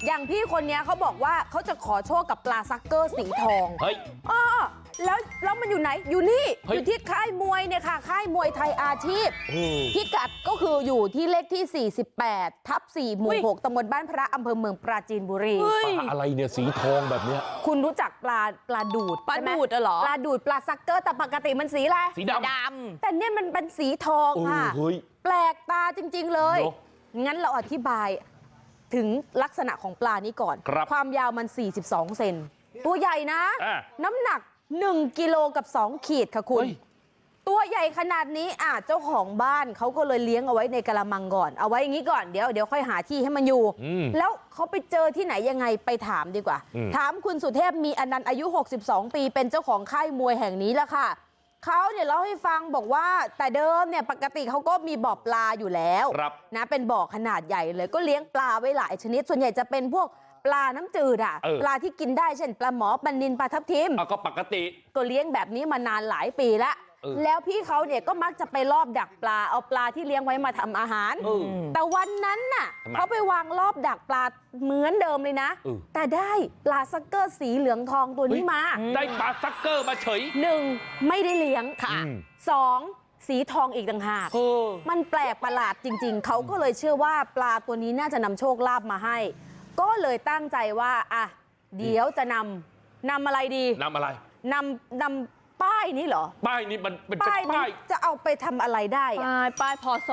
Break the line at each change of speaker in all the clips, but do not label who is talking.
อย่างพี่คนนี้เขาบอกว่าเขาจะขอโชคกับปลาซักเกอร์สีทอง
เฮ้ย
แล้วมันอยู่ไหนอยู่นี่อยู่ที่ค่ายมวยเนี่ยค่ะค่ายมวยไทยอาชีพพิกัดก็คืออยู่ที่เลขที่ 48/4 หมู่ 6 ตำบลบ้านพระอำเภอเมืองปราจีนบุรี
ปลาอะไรเนี่ยสีทองแบบเนี้ย
คุณรู้จักปลาดูดเหรอปลาดูดปลาซักเกอร์แต่ปกติมันสีอะไร
สีดำ
แต่เนี่ยมันเป็นสีทองค่ะแปลกตาจริงๆเลยงั้นเราอธิบายถึงลักษณะของปลานี้ก่อนความยาวมัน42 เซนตัวใหญ่นะน้ำหนัก1 กิโลกับ 2 ขีดค่ะคุณตัวใหญ่ขนาดนี้เจ้าของบ้านเขาก็เลยเลี้ยงเอาไว้ในกระมังก่อนเอาไว้อย่างนี้ก่อนเดี๋ยวค่อยหาที่ให้มันอยู่แล้วเขาไปเจอที่ไหนยังไงไปถามดีกว่าถามคุณสุเทพมีอนันต์อายุ62 ปีเป็นเจ้าของค่ายมวยแห่งนี้แหละค่ะเขาเนี่ยเล่าให้ฟังบอกว่าแต่เดิมเนี่ยปกติเขาก็มีบ่อปลาอยู่แล้วนะเป็นบ่อขนาดใหญ่เลยก็เลี้ยงปลาไว้หลายชนิดส่วนใหญ่จะเป็นพวกปลาน้ำจืดปลาที่กินได้เช่นปลาหมอปลานิลปลาทับทิม
ก็ปกติ
ก็เลี้ยงแบบนี้มานานหลายปีแล้วพี่เขาเนี่ยก็มักจะไปรอบดักปลาเอาปลาที่เลี้ยงไว้มาทำอาหารแต่วันนั้นน่ะเขาไปวางรอบดักปลาเหมือนเดิมเลยนะแต่ได้ปลาซักเกอร์สีเหลืองทองตัวนี้มา
ได้ปลาซักเกอร์มาเฉย
1ไม่ได้เลี้ยงค่ะ2สีทองอีกต่างหากมันแปลกประหลาดจริงๆเขาก็เลยเชื่อว่าปลาตัวนี้น่าจะนำโชคลาภมาให้ก็เลยตั้งใจว่าเดี๋ยวจะนำอะไรดี
นำอะไร
นำป้ายนี้เหรอ
ป้ายนี้มันเป็นป้าย
จะเอาไปทำอะไรได้
ป้ายพศ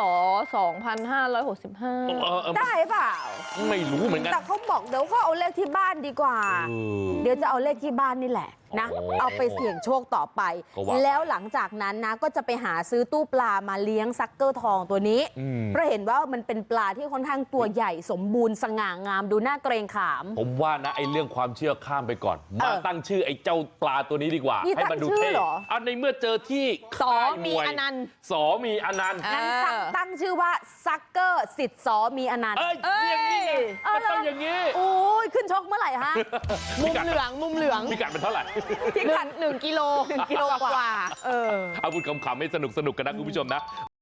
2565
ได้เปล่า
ไม่รู้เหมือนกัน
แต่เขาบอกเดี๋ยวเขาเอาเลขที่บ้านดีกว่าเดี๋ยวจะเอาเลขที่บ้านนี่แหละนะเอาไปเสี่ยงโชคต่อไปแล้วหลังจากนั้นนะก็จะไปหาซื้อตู้ปลามาเลี้ยงซักเกอร์ทองตัวนี้เพราะเห็นว่ามันเป็นปลาที่ค่อนข้างตัวใหญ่สมบูรณ์สง่างามดูน่าเกรงขาม
ผมว่านะไอ้เรื่องความเชื่อข้ามไปก่อนมาตั้งชื่อไอ้เจ้าปลาตัวนี้ดีกว่าให้มันดูเท่ในเมื่อเจอที่
มีอนันต์
มีอนันต์
งั้นตั้งชื่อว่าซักเกอร์สิทธิ์สมีอนันต์
อย่างนี้มันต้องอย่างนี้
โอ้ยขึ้นชกเมื่อไหร่ฮะ
มุมเหลือง
พิกัดเป็นเท่าไหร่
พิกัด1 กิโลกว่า
เอาพูดขำๆให้สนุกกันนะคุณผู้ชมนะ